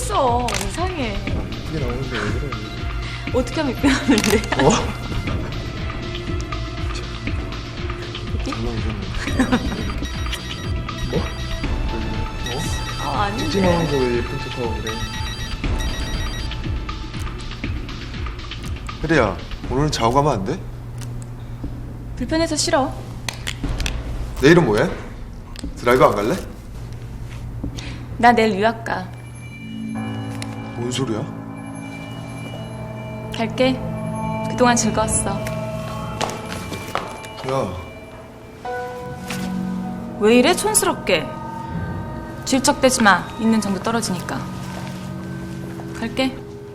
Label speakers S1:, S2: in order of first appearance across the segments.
S1: 있어. 이상해.
S2: 이게 나오는데 왜 그래?
S1: 어떻게 하면 이쁘는데?
S2: 어?
S1: 여기?
S2: 뭐?
S1: 아닌데.
S2: 찍지 나오면서 왜 예쁜 척하고 그래? 혜리야, 오늘은 자고 가면 안 돼?
S1: 불편해서 싫어.
S2: 내일은 뭐해? 드라이브 안 갈래?
S1: 나 내일 유학 가.
S2: 뭔 소리야?
S1: 갈게. 그동안 즐거웠어.
S2: 야,
S1: 왜 이래 촌스럽게. 질척대지 마. 있는 정도 떨어지니까. 갈게.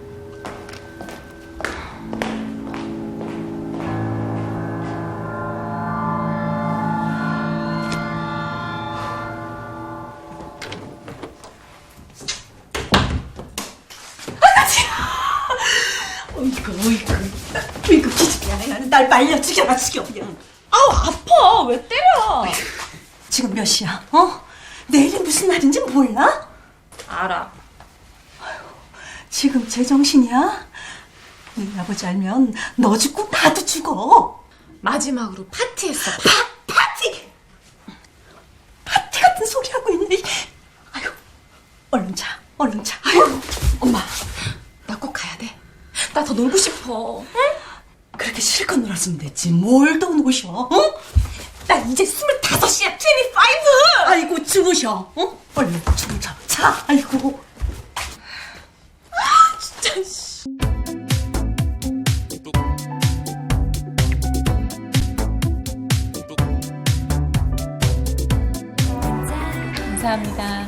S3: 어이구 기집애야. 날 말려 죽여라 죽여 그냥.
S1: 아우 아파. 왜 때려?
S3: 지금 몇 시야? 어? 내일이 무슨 날인지 몰라?
S1: 알아.
S3: 지금 제정신이야? 너희 아버지 알면 너 죽고 나도 죽어.
S1: 마지막으로 파티했어.
S3: 파티 같은 소리 하고 있네. 아유, 얼른 자.
S1: 아유, 엄마. 나 꼭 가야 돼. 나 더 놀고 싶어. 응?
S3: 그렇게 실컷 놀았으면 됐지. 뭘 더 노셔? 응?
S1: 나 이제 25이야. 25.
S3: 아이고 주무셔. 응? 얼른 주무셔. 자. 아이고.
S1: 진짜 씨. 감사합니다.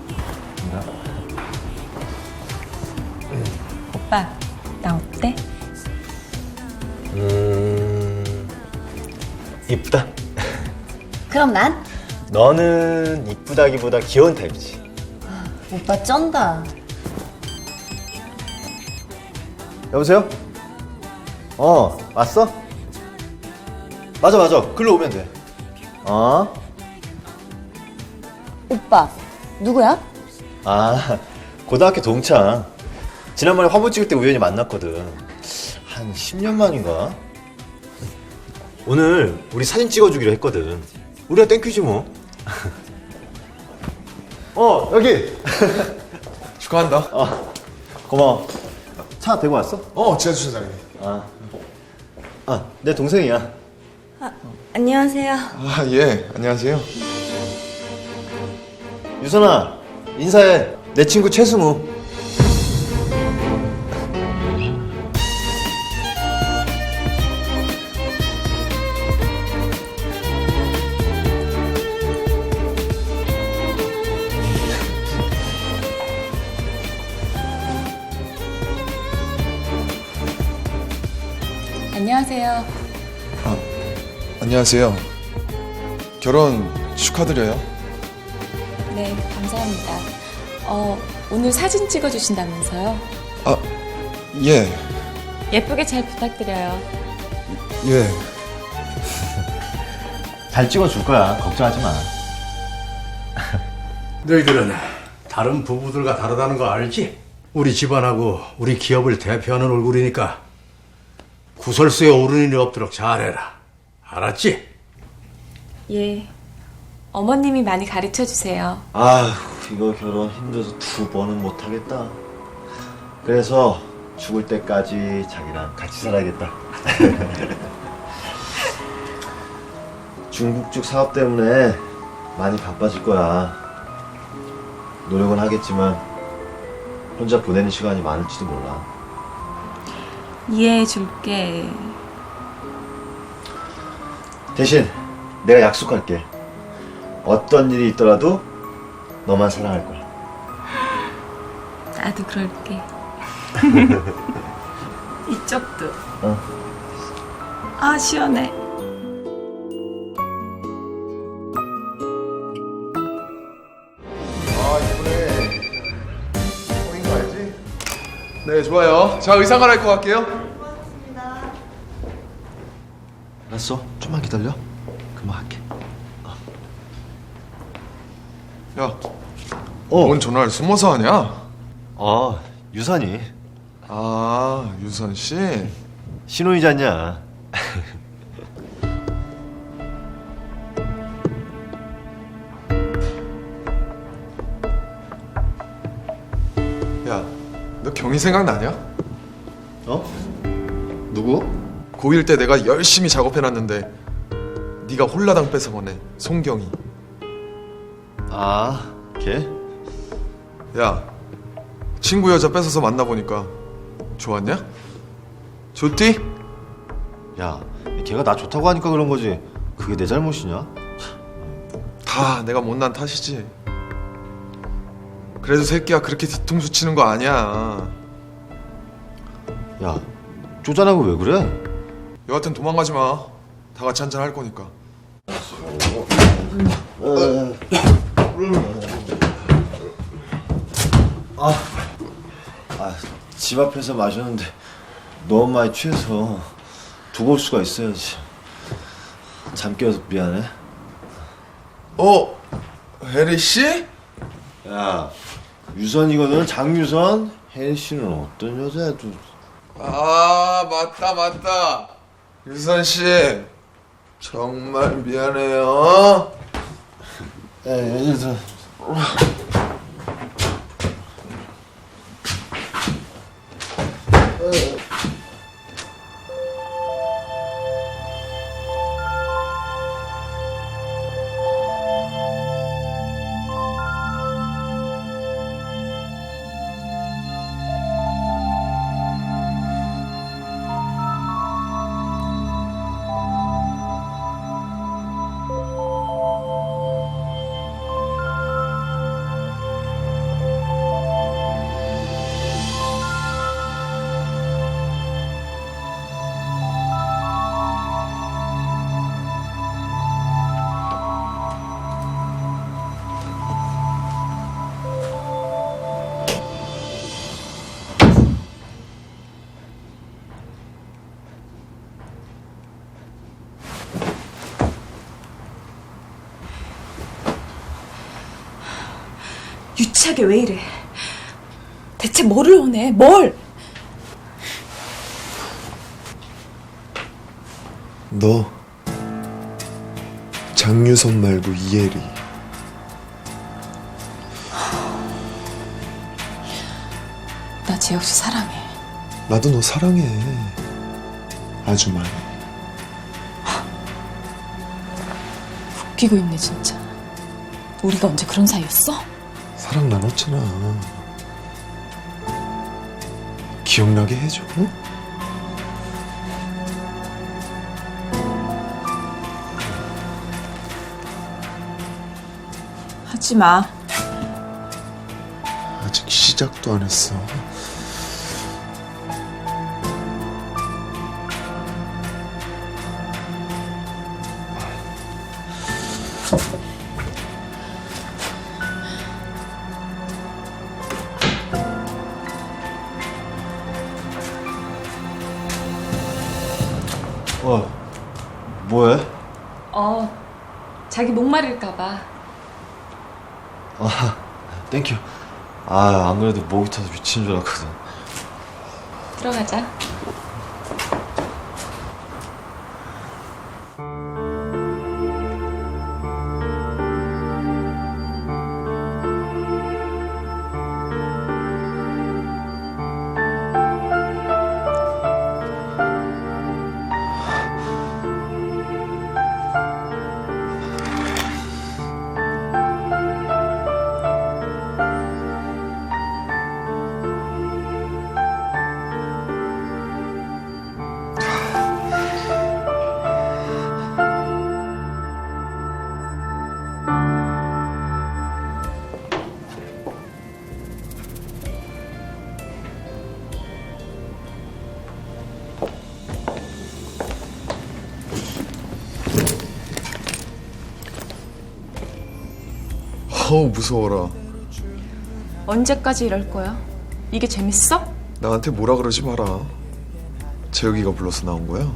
S1: 오빠, 나 어때?
S4: 이쁘다.
S5: 그럼 난?
S4: 너는 이쁘다기보다 귀여운 타입이지.
S5: 오빠 쩐다.
S4: 여보세요? 왔어? 맞아. 글로 오면 돼.
S5: 오빠 누구야?
S4: 고등학교 동창. 지난번에 화보 찍을 때 우연히 만났거든. 한 10년 만인가? 오늘 우리 사진 찍어주기로 했거든. 우리가 땡큐지 뭐. 여기.
S2: 축하한다.
S4: 고마워. 차 대고 왔어?
S2: 지하 주차장에.
S4: 내 동생이야.
S5: 안녕하세요.
S2: 예, 안녕하세요.
S4: 유선아, 인사해. 내 친구 최승우.
S1: 안녕하세요.
S2: 안녕하세요. 결혼 축하드려요.
S1: 네, 감사합니다. 오늘 사진 찍어주신다면서요?
S2: 예,
S1: 예쁘게 잘 부탁드려요.
S2: 예.
S4: 잘 찍어줄 거야. 걱정하지 마.
S6: 너희들은 다른 부부들과 다르다는 거 알지? 우리 집안하고 우리 기업을 대표하는 얼굴이니까 구설수에 오르는 일이 없도록 잘해라. 알았지?
S1: 예. 어머님이 많이 가르쳐 주세요.
S4: 이거 결혼 힘들어서 2번은 못하겠다. 그래서 죽을 때까지 자기랑 같이 살아야겠다. 중국죽 사업 때문에 많이 바빠질 거야. 노력은 하겠지만 혼자 보내는 시간이 많을지도 몰라.
S1: 이해해 줄게.
S4: 대신 내가 약속할게. 어떤 일이 있더라도 너만 사랑할 거야.
S1: 나도 그럴게. 이쪽도. 시원해.
S2: 이번에 성인 거 알지? 네, 좋아요. 자, 의상 갈아입고 갈게요.
S4: 알았어. 좀만 기다려. 금방 할게.
S2: 야, 뭔 전화를 숨어서 하냐?
S4: 유선이.
S2: 아, 유선 씨?
S4: 신혼이잖냐.
S2: 야, 너 경희 생각나냐?
S4: 어? 누구?
S2: 고1 때 내가 열심히 작업해놨는데 네가 홀라당 뺏어보네, 송경희.
S4: 아, 걔?
S2: 야, 친구 여자 뺏어서 만나보니까 좋았냐? 좋디?
S4: 야, 걔가 나 좋다고 하니까 그런 거지. 그게 내 잘못이냐?
S2: 다 내가 못난 탓이지. 그래도 새끼야 그렇게 뒤통수 치는 거 아니야.
S4: 야, 쪼잔하고 왜 그래?
S2: 여하튼 도망가지 마. 다 같이 한잔 할 거니까.
S4: 집 앞에서 마셨는데 너무 많이 취해서 두고 올 수가 있어야지. 잠 깨워서 미안해.
S2: 혜리 씨?
S4: 야, 유선이거든. 장유선. 혜리 씨는 어떤 여자야? 또.
S2: 아, 맞다. 유선 씨, 정말 미안해요.
S4: 유선.
S1: 유치하게 왜 이래? 대체 뭐를 원해? 뭘?
S2: 너 장유선 말고 이혜리.
S1: 나 재혁 씨 사랑해.
S2: 나도 너 사랑해. 아주 많이.
S1: 웃기고 있네 진짜. 우리가 언제 그런 사이였어?
S2: 사랑 나눴잖아. 기억나게 해줘. 응?
S1: 하지 마.
S2: 아직 시작도 안 했어.
S4: 뭐해?
S1: 자기 목마를까봐.
S4: 땡큐. 안 그래도 목이 타서 미치는 줄 알았거든.
S1: 들어가자.
S2: 어우, 무서워라.
S1: 언제까지 이럴 거야? 이게 재밌어?
S2: 나한테 뭐라 그러지 마라. 재혁이가 불러서 나온 거야.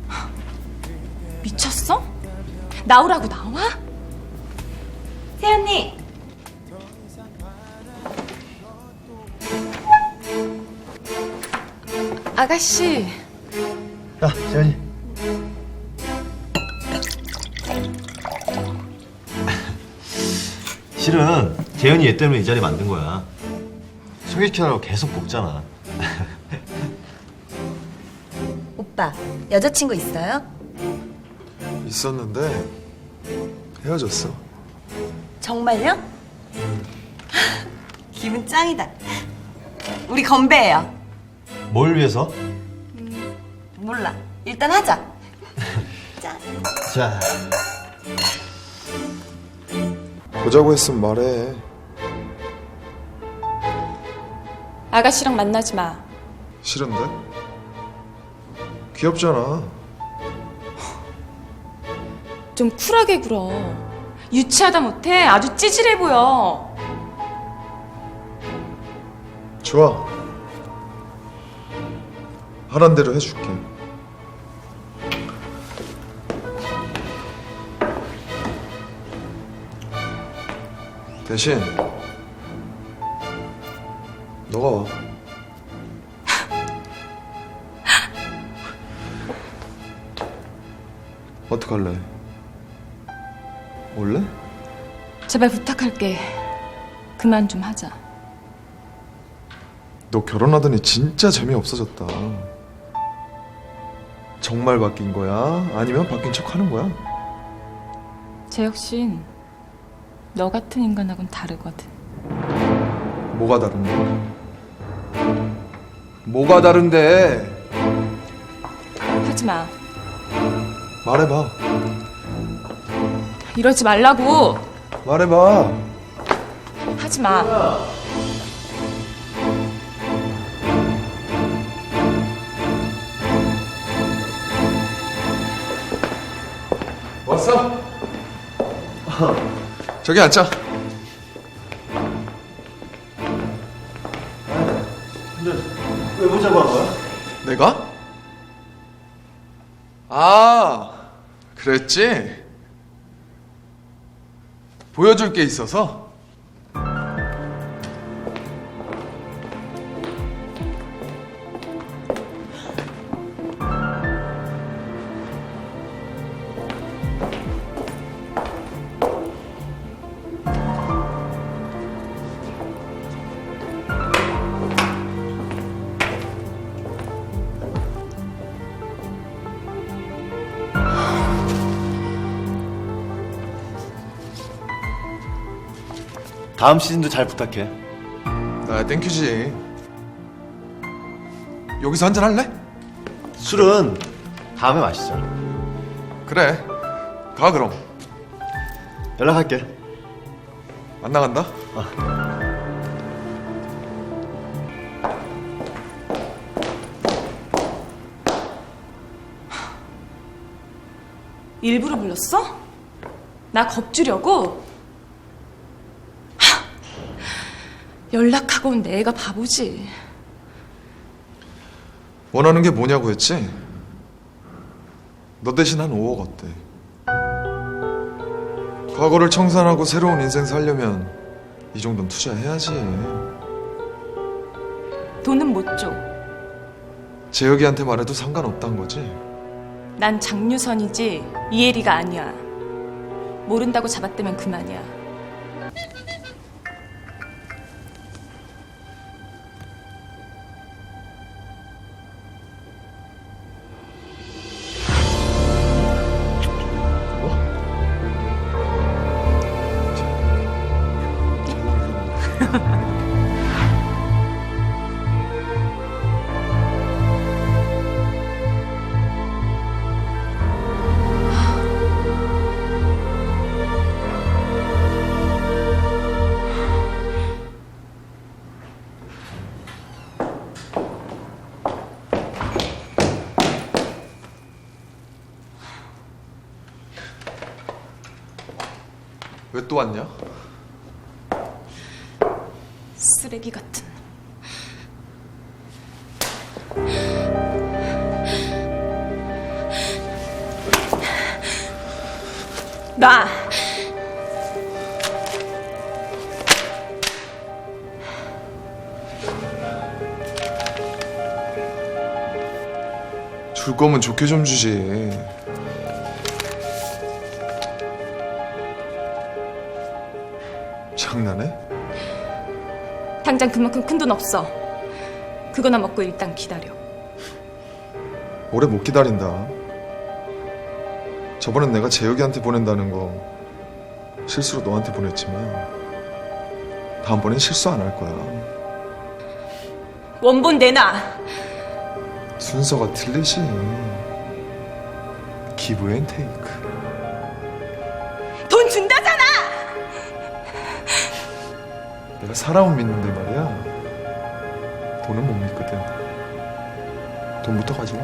S1: 미쳤어? 나오라고 나와?
S5: 세연님.
S1: 아가씨.
S4: 야, 재현이. 실은 재현이 얘 때문에 이 자리 만든 거야. 소개시켜달라고 계속 볶잖아.
S5: 오빠, 여자친구 있어요?
S2: 있었는데 헤어졌어.
S5: 정말요? 기분 짱이다. 우리 건배해요.
S4: 뭘 위해서?
S5: 몰라. 일단 하자. 짠.
S4: 자,
S2: 보자고 했으면 말해.
S1: 아가씨랑 만나지 마.
S2: 싫은데? 귀엽잖아.
S1: 좀 쿨하게 굴어. 유치하다 못해 아주 찌질해 보여.
S2: 좋아. 하란 대로 해줄게. 대신 너가 와. 어떡할래? 올래?
S1: 제발 부탁할게. 그만 좀 하자.
S2: 너 결혼하더니 진짜 재미없어졌다. 정말 바뀐 거야? 아니면 바뀐 척 하는 거야?
S1: 쟤 역신 너 같은 인간하고는 다르거든.
S2: 뭐가 다른데? 뭐가 다른데?
S1: 하지 마.
S2: 말해봐.
S1: 이러지 말라고.
S2: 말해봐.
S1: 하지 마.
S2: 왔어? 저기 앉자.
S4: 왜 보자고 한 거야?
S2: 내가? 아, 그랬지? 보여줄 게 있어서?
S4: 다음 시즌도 잘 부탁해.
S2: 나 땡큐지. 여기서 한잔 할래?
S4: 술은 다음에 마시자.
S2: 그래. 가 그럼.
S4: 연락할게.
S2: 안 나간다?
S1: 일부러 불렀어? 나 겁주려고? 하! 연락하고 온 내가 바보지.
S2: 원하는 게 뭐냐고 했지? 너 대신 한 5억 어때? 과거를 청산하고 새로운 인생 살려면 이 정도는 투자해야지.
S1: 돈은 못 줘.
S2: 재혁이한테 말해도 상관없단 거지?
S1: 난 장유선이지 이혜리가 아니야. 모른다고 잡아떼면 그만이야.
S2: 왜 또 왔냐?
S1: 쓰레기 같은. 나
S2: 줄 거면 좋게 좀 주지. 장난해?
S1: 당장 그만큼 큰 돈 없어. 그거나 먹고 일단 기다려.
S2: 오래 못 기다린다. 저번엔 내가 재혁이한테 보낸다는 거 실수로 너한테 보냈지만 다음번엔 실수 안 할 거야.
S1: 원본 내놔.
S2: 순서가 틀리지. 기브 앤 테이크.
S1: 돈 준다잖아.
S2: 내가 사람은 믿는데 말이야. 돈은 못 믿거든. 돈부터 가지고.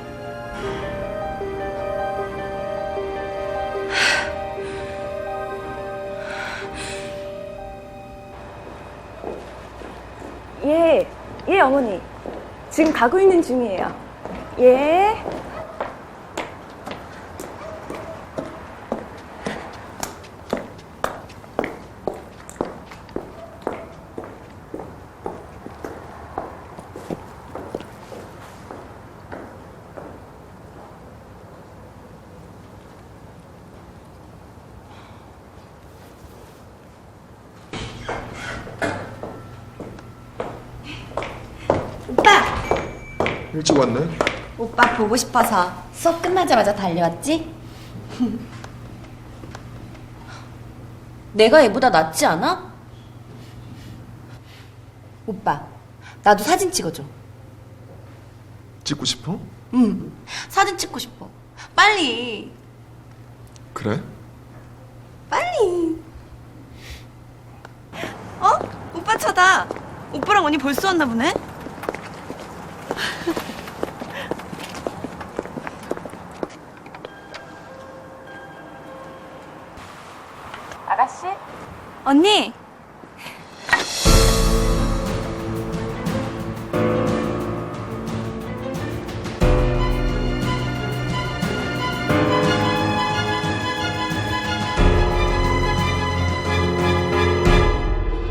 S7: 예, 어머니. 지금 가고 있는 중이에요. 예.
S5: 오빠!
S2: 일찍 왔네.
S5: 오빠 보고 싶어서 수업 끝나자마자 달려왔지? 내가 얘보다 낫지 않아? 오빠, 나도 사진 찍어줘.
S2: 찍고 싶어?
S5: 응, 사진 찍고 싶어. 빨리,
S2: 그래?
S5: 빨리. 어? 오빠 차다. 오빠랑 언니 벌써 왔나 보네?
S7: 아가씨?
S5: 언니,